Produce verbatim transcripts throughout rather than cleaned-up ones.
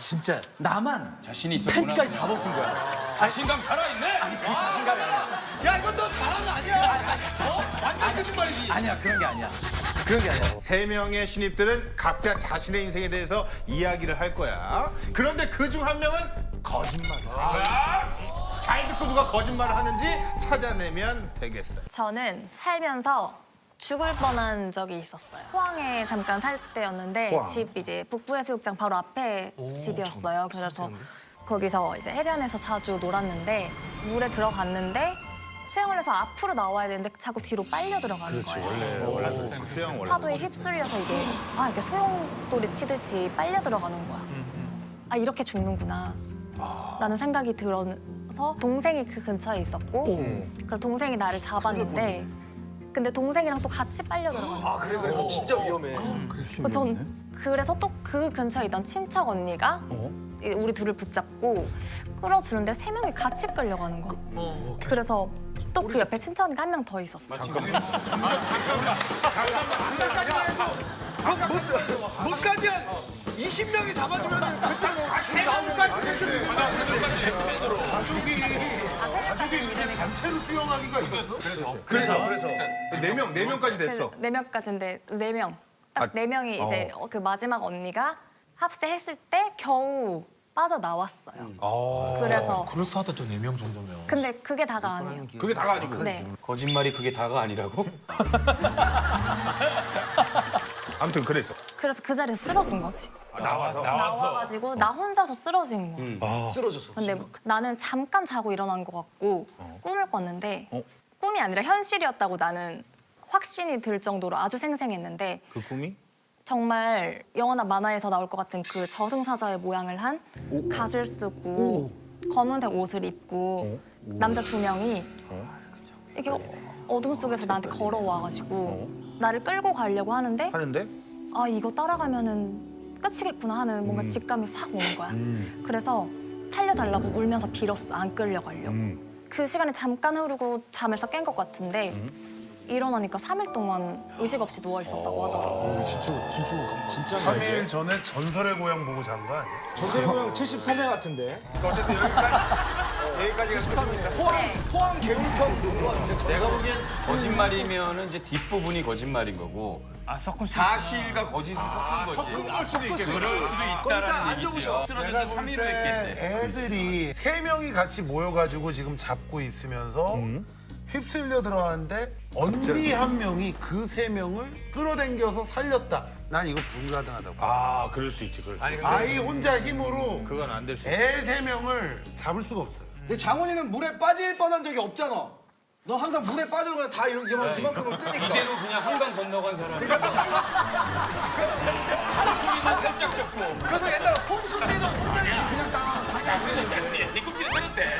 진짜 나만 자신이 있었구나. 팬티까지 다 벗은 거야. 자신감 살아있네. 아니 그 자신감이 아니야. 야 이건 너 잘한 거 아니야? 어? 완전 거짓말이지. 아니야 그런 게 아니야. 그런 게 아니야. 세 명의 신입들은 각자 자신의 인생에 대해서 이야기를 할 거야. 그런데 그 중 한 명은 거짓말이야. 잘 듣고 누가 거짓말을 하는지 찾아내면 되겠어. 저는 살면서 죽을 뻔한 적이 있었어요. 포항에 잠깐 살 때였는데 포항. 집 이제 북부해수욕장 바로 앞에 집이었어요. 그래서 거기서 이제 해변에서 자주 놀았는데 물에 들어갔는데 수영을 해서 앞으로 나와야 되는데 자꾸 뒤로 빨려 들어가는 거예요. 수영 원래. 파도에 휩쓸려서 이게 아 이렇게 소용돌이 치듯이 빨려 들어가는 거야. 아 이렇게 죽는구나. 라는 생각이 들어서 동생이 그 근처에 있었고 그래서 동생이 나를 잡았는데 근데 동생이랑 또 같이 빨려 들어가는 거야. 아 그래서 이거 진짜 위험해. 전 그래서 또 그 근처에 있던 친척 언니가 우리 둘을 붙잡고 끌어주는데 세 명이 같이 끌려가는 거야. 그래서 또 그 옆에 친척 언니가 한 명 더 있었어. 뭐까지 한 이십 명이 잡아주면 그때 뭐 세 명까지 가족이 가족이 이렇게 단체로 수영하기가 있었어? 그래서 그래서 네 명 네 명까지 됐어. 네 명까지인데 네 명. 딱 네 명이 이제 그 마지막 언니가 합세했을 때 겨우 빠져나왔어요. 그래서 그럴싸하다 또 네 명 정도면. 근데 그게 다가 아니에요. 그게 다가 아니고. 네. 거짓말이 그게 다가 아니라고? 아무튼 그래서 그래서 그 자리에서 쓰러진 거지. 나와서 나와가지고 나 혼자서 쓰러진 거야. 쓰러졌어. 근데 나는 잠깐 자고 일어난 것 같고 꿈을 꿨는데 꿈이 아니라 현실이었다고 나는 확신이 들 정도로 아주 생생했는데 그 꿈이 정말 영화나 만화에서 나올 것 같은 그 저승사자의 모양을 한 갓을 쓰고 검은색 옷을 입고 남자 두 명이 이렇게 어둠 속에서 나한테 걸어와가지고 나를 끌고 가려고 하는데 하는데 아 이거 따라가면은 끝이겠구나 하는 뭔가 직감이 확 오는 거야. 그래서 살려달라고 울면서 빌었어. 안 끌려가려고. 그 시간이 잠깐 흐르고 잠에서 깬 것 같은데 일어나니까 삼 일 동안 의식 없이 누워 있었다고 하더라고. 삼 일 전에 전설의 고향 보고 잔 거 아니야? 전설의 고향 칠십삼 회 같은데. 어쨌든 여기까지 여기까지가 끝입니다. 포항 포항 개울편 본거 같은데. 내가 보기엔 거짓말이면은 이제 뒷부분이 거짓말인 거고 아 서커스. 사실과 거짓이 섞은 거지. 섞은 걸 수도 있겠네. 그럴 수도 있다라는 얘기지요. 내가 쓰러져서 볼 삼 일을 했겠네. 때 애들이 세 명이 같이 모여가지고 지금 잡고 있으면서 휩쓸려 들어왔는데 언니 한 명이 그 세 명을 끌어당겨서 살렸다. 난 이거 불가능하다고. 아 그럴 수 있지 그럴 수 있지. 아이 혼자 힘으로 그건 안 될 수 있지. 애 세 명을 잡을 수가 없어요. 근데 장훈이는 물에 빠질 뻔한 적이 없잖아. 너 항상 물에 빠져도 다 이런 이만 이만큼은 뜨니까. 이대로 그냥 한강 건너간 사람이. 잔소리만 살짝 적고. 그래서 옛날에 홍수 때도 혼자 그냥 다 뒤꿈치를 때렸대.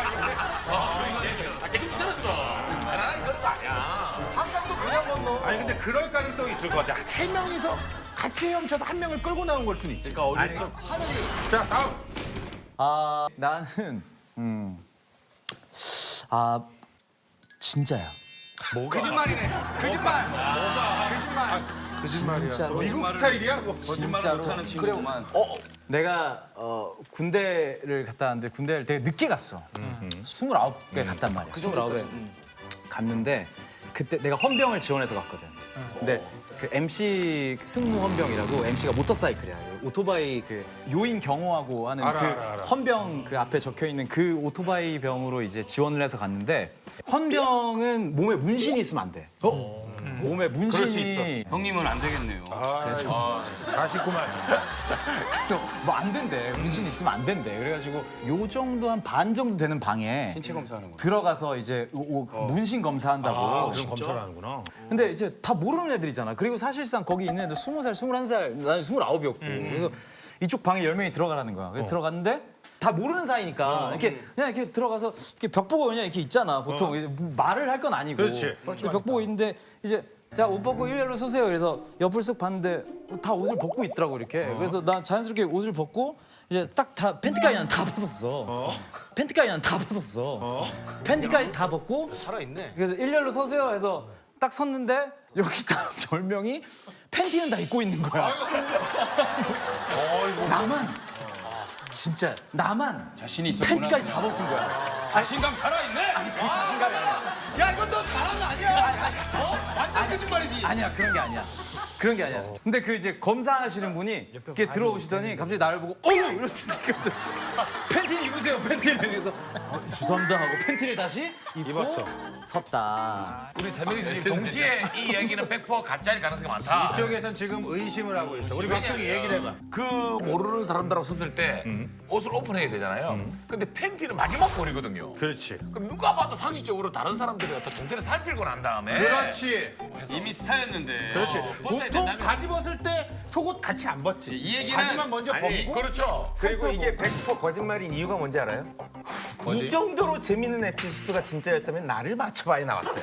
아, 뒤꿈치 때렸어. 나는 그런 거 아니야. 한강도 그냥 건너. 아니 근데 그럴 가능성이 있을 것 같아. 세 명이서 같이 헤엄쳐서 한 명을 끌고 나온 걸 수는 있지. 그러니까 어릴 적 자 다음. 아 나는 음. 아 진짜야. 거짓말이네. 거짓말. 거짓말. 거짓말이야. 진짜로. 미국 스타일이야? 뭐. 진짜로. 못하는 친구만. 어, 내가 어, 군대를 갔다 왔는데 군대를 되게 늦게 갔어. 스물아홉 에 갔단 말이야. 스물아홉에 갔는데 그때 내가 헌병을 지원해서 갔거든. 근데 그 엠씨 승무 헌병이라고 엠씨가 모터사이클이야. 오토바이 그 요인 경호하고 하는 알아, 그 알아, 알아. 헌병 그 앞에 적혀 있는 그 오토바이 병으로 이제 지원을 해서 갔는데 헌병은 몸에 문신이 있으면 안 돼. 몸에 문신이 형님은 안 되겠네요. 그래서 아쉽구만. 그래서 뭐 안 된대. 문신 있으면 안 된대. 그래가지고 요 정도 한 반 정도 되는 방에 신체 검사하는 거. 들어가서 이제 오- 오- 문신 검사한다고. 그런 검사를 하는구나. 근데 이제 다 모르는 애들이잖아. 그리고 사실상 거기 있는 애들 스무 살, 스물한 살, 나는 스물아홉이었고. 그래서 이쪽 방에 열 명이 들어가라는 거야. 그래서 들어갔는데 다 모르는 사이니까 이렇게 그냥 이렇게 들어가서 이렇게 벽 보고 그냥 이렇게 있잖아. 보통 이제 뭐 말을 할 건 아니고. 그렇지. 근데 벽 보고 있는데 이제 자, 옷 벗고 일렬로 서세요. 그래서 옆을 쓱 봤는데 다 옷을 벗고 있더라고 이렇게. 그래서 난 자연스럽게 옷을 벗고 이제 딱 다 팬티까지 난 다 벗었어. 팬티까지 난 다 벗었어. 팬티까지 다 벗고 살아있네. 그래서 일렬로 서세요 해서 딱 섰는데 여기 딱 별명이 팬티는 다 입고 있는 거야. 나만 진짜 나만 자신이 있었구나. 팬티까지 다 벗은 거야. 자신감 살아있네. 아니 그 자신감이 아니야. 야 이건 너 잘한 거 아니야. 어? 완전 거짓말이지. 아니야 그런 게 아니야. 그런 게 아니야. 근데 그 이제 검사하시는 분이 이렇게 들어오시더니 갑자기 나를 보고 어우 이러시니까 팬티를 입으세요 팬티를. 그래서 어, 죄송합니다 하고 팬티를 다시 입고 입었어. 섰다. 우리 세 명이서 지금 동시에 이 얘기는 백 퍼센트 가짜일 가능성이 많다. 이쪽에선 지금 의심을 하고 있어. 우리 박정희 얘기를 해봐. 그 모르는 사람들하고 섰을 때 옷을 오픈해야 되잖아요. 근데 팬티는 마지막 볼이거든요. 그렇지. 그럼 누가 봐도 상식적으로 다른 사람들이 갖다 동태를 살필고 난 다음에 그렇지. 이미 스타였는데. 그렇지. 어, 벗어야 보통 된다면. 바지 벗을 때 속옷 같이 안 벗지. 이 얘기는 바지만 먼저 벗고. 그렇죠. 그리고 이게 백 퍼센트 거짓말인 이유가 뭔지 알아요? 이 정도로 재밌는 에피소드가 진짜였다면 나를 맞춰봐야 나왔어요.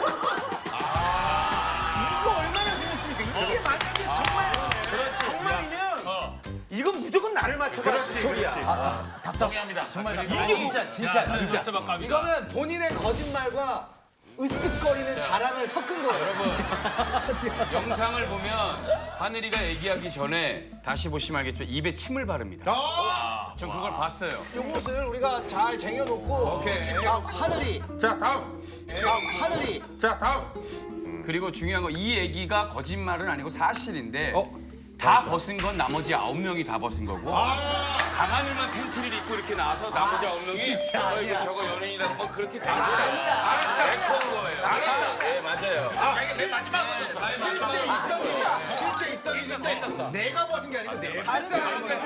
이거 얼마나 재밌습니까? 이게 만약에 정말 정말이면 이건 무조건 나를 맞춰봐. 그렇지, 그렇지. 동의합니다. 정말 이게 진짜 진짜 진짜. 이거는 본인의 거짓말과 으쓱거리는 자랑을 섞은 거예요. 영상을 보면 하늘이가 얘기하기 전에 다시 보시면 알겠지만 입에 침을 바릅니다. 아! 전 그걸 봤어요. 요것을 우리가 잘 쟁여놓고 오케이. 다음 하늘이 자, 다음. 다음 하늘이 자, 다음. 그리고 중요한 건 이 얘기가 거짓말은 아니고 사실인데 어? 다 벗은 건 나머지 아홉 명이 다 벗은 거고 강하늘만 팬티를 입고 이렇게 나와서 나머지 아홉 명이 어, 이거 저거 연예인이라는 건 그렇게 된 거예요. 알았다. 그런 거예요. 알았다. 네, 맞아요. 자기 맨 마지막으로 섰어. 실제 있던 일이야. 실제 있던 일인데 내가 벗은 게 아니고 내 발사라는 거야.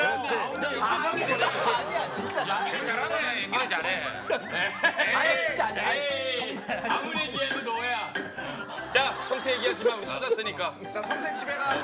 잘하네. 연기를 잘해. 아니 진짜 아니야. 에이, 아무리 얘기해도 너야. 자, 성태 얘기하지만 우리 찾았으니까. 자 성태 집에 가.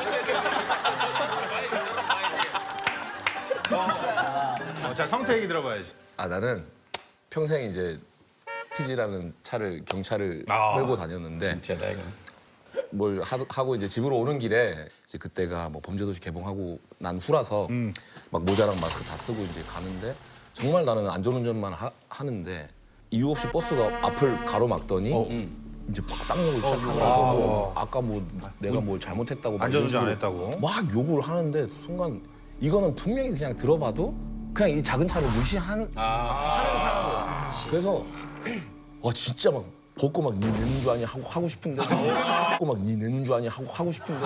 어, 자, 성태 얘기 들어봐야지. 아 나는 평생 이제 티지라는 차를 경차를 아. 끌고 다녔는데 뭘 하, 하고 이제 집으로 오는 길에 이제 그때가 뭐 범죄도시 개봉하고 난 후라서 막 모자랑 마스크 다 쓰고 이제 가는데 정말 나는 안전운전만 하, 하는데 이유 없이 버스가 앞을 가로막더니 이제 막 쌍욕을 시작하면서 뭐 아까 뭐 내가 뭘 잘못했다고 막 안전운전 안 이런 식으로 했다고? 막 욕을 하는데 순간 이거는 분명히 그냥 들어봐도 그냥 이 작은 차를 무시하는 하는 사람이었어. 그래서 와 진짜 막 벗고 막 니 내는 줄 아니 하고 하고 싶은데 벗고 막 니 내는 줄 아니 하고 하고 싶은데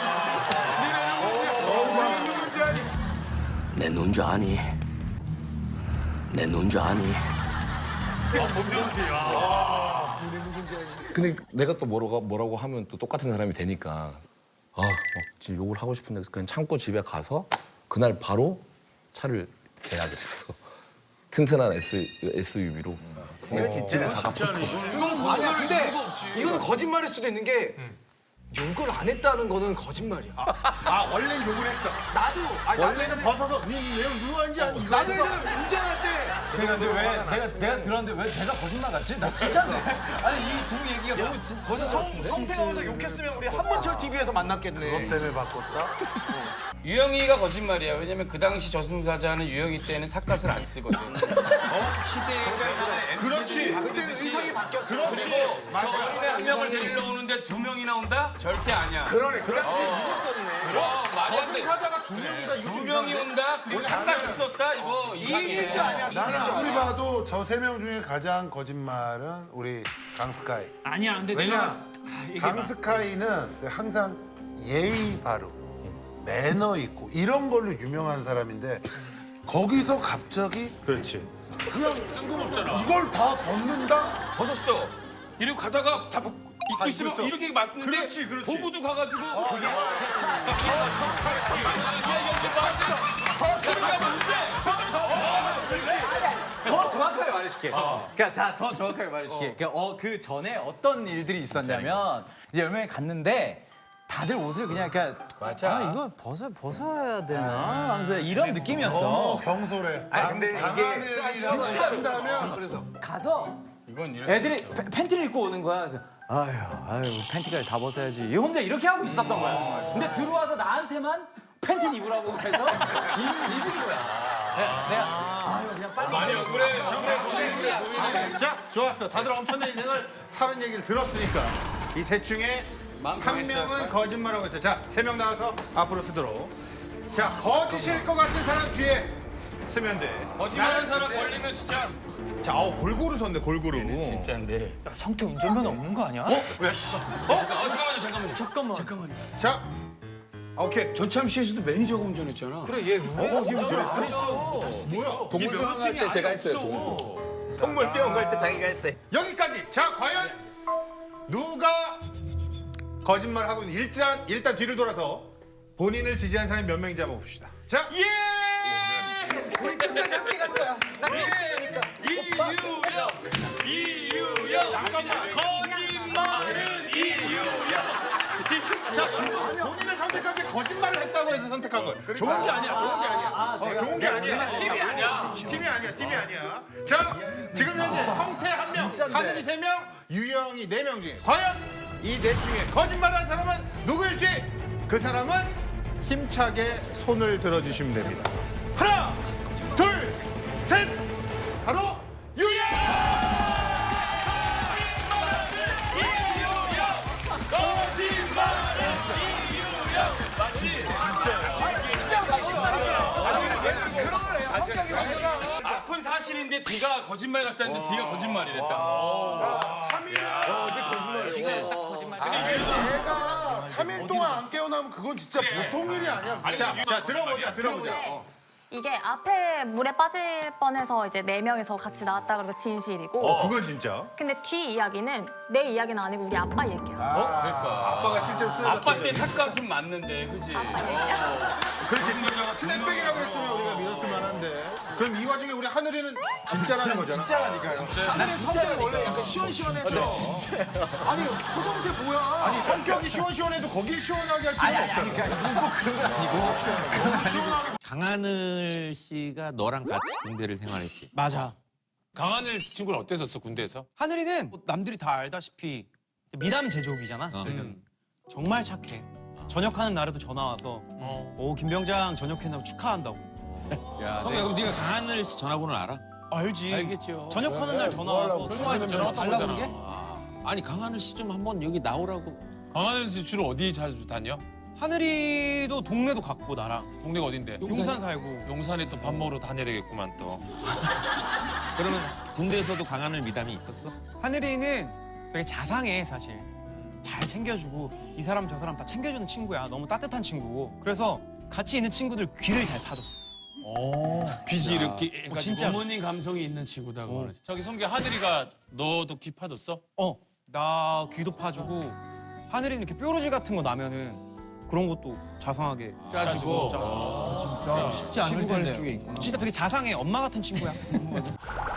내 눈 줄 아니? 내 눈 줄 아니? 근데 내가 또 뭐라고 뭐라고 하면 또 똑같은 사람이 되니까 아 막 진짜 욕을 하고 싶은데 그냥 참고 집에 가서 그날 바로 차를 계약을 했어. 튼튼한 S 에스유브이로. 이거 진짜 다 갚았고. 아니야 근데 이거는 거짓말일 수도 있는 게 욕을 안 했다는 거는 거짓말이야. 아, 원래는 욕을 했어. 나도 아니 나도 원래는 예전에 벗어서 니왜 누구한지 아니 이거 나도 예전에 운전할 때 그러니까 근데 왜 내가 내가 들었는데 왜 내가 거짓말 같지? 나 진짜인데. 아니 이 두 얘기가 너무 진. 거기서 성, 성태가 와서 욕했으면 우리 한문철 티비에서 만났겠네. 때문에 바꿨다? 유영이가 거짓말이야. 왜냐면 그 당시 저승사자는 유영이 때는 삿갓을 안 쓰거든. 시대의 변화에 그렇지. 그때는 의상이 바뀌었어. 그리고 저 어린애 한 명을 데리러 오는데 두 명이 나온다? 절대 아니야. 그러네. 그 당시에 이거 썼네. 그럼 말이 안 돼. 사자가 두 명이다. 이거 두 좀 명이 이상한데? 온다? 그리고 삿갓을 썼다? 이거 이길 줄 아냐. 나는 아무리 봐도 저 세 명 중에 가장 거짓말은 우리 강스카이. 아니야, 근데 왜냐? 내가 강스카이는 항상 예의 바르고 매너 있고 이런 걸로 유명한 사람인데 거기서 갑자기 그렇지. 그냥 뜬금없잖아. 이걸 다 벗는다? 벗었어. 이러고 가다가 다 벗고 입고 있으면 있어. 이렇게 맞는데 그렇지, 그렇지. 보고도 가가지고 그게 더 정확하게 말해줄게. 그러니까 자, 더 정확하게 말해줄게. 그러니까 어, 그 전에 어떤 일들이 있었냐면 이제 열 명이 갔는데 다들 옷을 그냥 그냥 맞아. 아 이거 벗어 벗어야 되나 하면서 이런 느낌이었어. 너무 경솔해. 아니, 근데 강한 이게 애들이라고 친다면 가서 이건 이럴 애들이 팬- 팬티를 입고 오는 거야. 그래서 아유 아유 팬티까지 다 벗어야지. 얘 혼자 이렇게 하고 있었던 거야. 근데 들어와서 나한테만 팬티 입으라고 해서 입, 입은 거야. 내가, 내가 아유 그냥 빨리. 많이 억울해. 정말 고생이 자, 좋았어. 다들 엄청난 인생을 사는 얘기를 들었으니까 이 셋 중에 마음 한 상했어요. 명은 거짓말하고 있어요. 자, 세 명 나와서 앞으로 쓰도록. 자, 거짓일 것 같은 사람 뒤에 쓰면 돼. 거짓말하는 사람 걸리면 진짜. 자, 어, 골고루 섰네, 골고루. 진짜인데. 야, 성태 운전면허 없는 거 아니야? 어? 왜? 씨. 어? 잠깐만요, 잠깐만요. 잠깐만. 잠깐만요. 자, 오케이. 전참시에서도 매니저가 운전했잖아. 그래 얘 왜 운전을 안 했어? 뭐야? 동물병원 갈 때 제가 했어요. 동물. 동물병원 갈 때 자기가 했대. 여기까지. 자, 과연 누가 거짓말 하고 있는 일단 일단 뒤를 돌아서 본인을 지지한 사람이 몇 명인지 한번 봅시다. 자, 예! 우리 끝까지 함께 갈 거야. 나 이유영! 이유영! 잠깐만. 거짓말은 이유영! 자, 지금 본인을 선택한 게 거짓말을 했다고 해서 선택한 거예요. 좋은 게 아니야, 좋은 게 아니야. 어, 좋은 게 아니야. 팀이 아니야. 팀이 아니야, 팀이 아니야. 자, 지금 현재 성태 한 명, 하늘이 세 명, 유영이 네 명 중에 과연 이 넷 중에 거짓말한 사람은 누구일지 그 사람은 힘차게 손을 들어주시면 됩니다. 하나, 둘, 셋, 바로 유영! 아픈 사실인데 D가 거짓말 같다는데 D가 거짓말이랬다. 얘가 삼 일 동안 안 깨어나면 그건 진짜 보통 일이 아니야. 자, 자, 들어보자, 들어보자. 이게 앞에 물에 빠질 뻔해서 이제 네 명이서 같이 나왔다 그러고 진실이고 어, 그건 진짜. 근데 뒤 이야기는 내 이야기는 아니고 우리 아빠 얘기야. 아빠가 실제로 쓰레기 아빠 때 삭가슴 맞는데, 그지? 그렇지, 스냅백이라고 했으면 우리가 믿었을 만한데. 그럼 이 와중에 우리 하늘이는 진짜라는 거잖아. 진짜라니까요. 하늘의 성격이 원래 약간 시원시원해서. 아니 허성태 뭐야? 아니, 성격이 시원시원해도 거길 시원하게 할 필요가 없잖아. 강하늘 씨가 너랑 같이 군대를 생활했지. 맞아. 강하늘 친구는 어땠었어 군대에서? 하늘이는 뭐 남들이 다 알다시피 미담 제조기잖아. 어. 정말 착해. 전역하는 날에도 전화 와서 오 김병장 전역했다고 축하한다고. 성우야 그럼 네가 강하늘 씨 전화번호를 알아? 알지. 알겠죠. 전역하는 날 전화 와서 통화해서 전화 달라고 그러게? 아니 강하늘 씨 좀 한번 여기 나오라고. 강하늘 씨 주로 어디 자주 다녀? 하늘이도 동네도 갔고 나랑 동네가 어딘데? 용산 살고. 용산에 또 밥 먹으러 다녀야 되겠구만 또. 그러면 군대에서도 강하늘 미담이 있었어? 하늘이는 되게 자상해 사실. 잘 챙겨주고 이 사람 저 사람 다 챙겨주는 친구야. 너무 따뜻한 친구고. 그래서 같이 있는 친구들 귀를 잘 파줬어. 오, 귀지 이렇게 어, 진짜. 부모님 감성이 있는 친구다. 어. 저기 성규 하늘이가 너도 귀 파줬어? 어, 나 귀도 파주고 하늘이는 이렇게 뾰루지 같은 거 나면은 그런 것도 자상하게 짜주고. 짜주고. 진짜 쉽지 않을 텐데. 진짜 되게 자상해. 엄마 같은 친구야.